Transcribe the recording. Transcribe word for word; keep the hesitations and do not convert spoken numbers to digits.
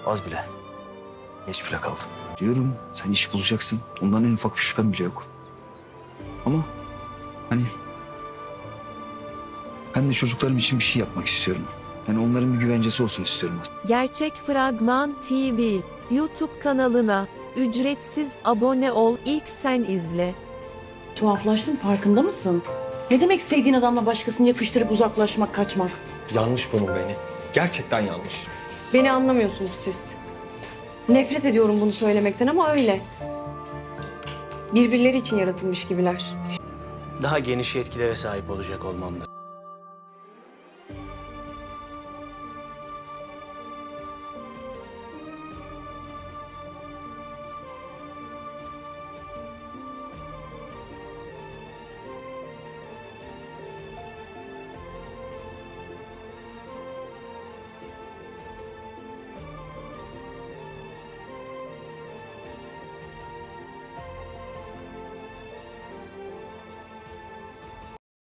Az bile. Geç bile kaldım. Diyorum sen iş bulacaksın. Ondan en ufak bir şüphem bile yok. Ama hani ben de çocuklarım için bir şey yapmak istiyorum. Yani onların bir güvencesi olsun istiyorum aslında. Gerçek Fragman T V YouTube kanalına ücretsiz abone ol, ilk sen izle. Tuhaflaştın, farkında mısın? Ne demek sevdiğin adamla başkasını yakıştırıp uzaklaşmak, kaçmak? Yanlış bunun beni. Gerçekten yanlış. Beni anlamıyorsunuz siz. Nefret ediyorum bunu söylemekten ama öyle. Birbirleri için yaratılmış gibiler. Daha geniş yetkilere sahip olacak olmamda.